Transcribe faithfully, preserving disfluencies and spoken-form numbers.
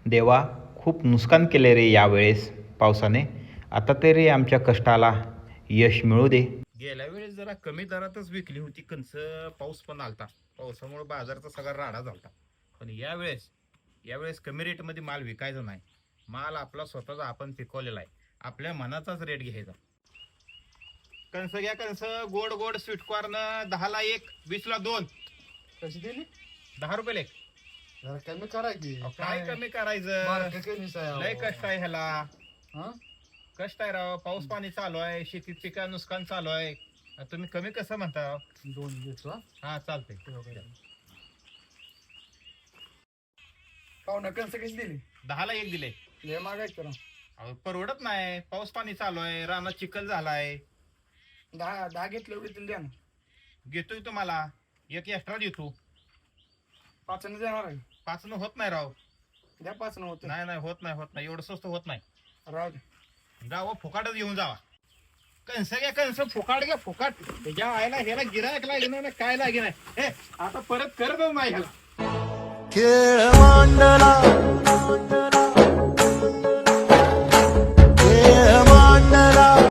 देवा खूप नुकसान केले रे यावेळेस पावसाने. आता तरी आमच्या कष्टाला यश मिळू दे. गेल्या वेळेस जरा कमी दरातच विकली होती कणस, पाऊस पण आलता, पावसामुळे बाजाराचा सगळा राडा झालता. पण यावेळेस यावेळेस कमी रेटमध्ये माल विकायचा नाही. माल आपला स्वतःचा आपण पिकवलेला आहे, आपल्या मनाचाच रेट घ्यायचा. कणस घ्या कणस, गोड गोड स्वीट कॉर्न, दहाला एक, वीसला दोन. कशी दिली? दहा रुपये एक. जरा कमी करा की. काय कमी करायचं, मार्केट कमीच आहे लय अहो. कष्ट आहे ह्याला. हा? कष्ट आहे राव, पाऊस पाणी चालू आहे, शेतीत पिका नुकसान चालू आहे, आणि तुम्ही कमी कसं म्हणता? दोन घेतो हा. हा चालतंय. पाहुणा कणसं कशी दिली? दहाला एक दिले. लय मागायचं करा. अहो, परवडत नाही, पाऊस पाणी चालू आहे, रानात चिखल झालाय. दहा दहा घेतले एवढे द्या ना. घेतोय तुम्हाला एक एक्स्ट्रा देतो. पाच देणार आहे. पाच न होत नाही राव. द्या पाच होत नाही नाही होत नाही होत नाही एवढं स्वस्त होत नाही. राहू दे. जावं फुकाटच घेऊन जावा. कणस घ्या कणस, फुकाट घ्या फुकाट. त्याच्या आईला ह्याला गिरायक लागेल ना, काय लागेल नाही. हे आता परत करतच नाही ह्याला. खेळ मांडला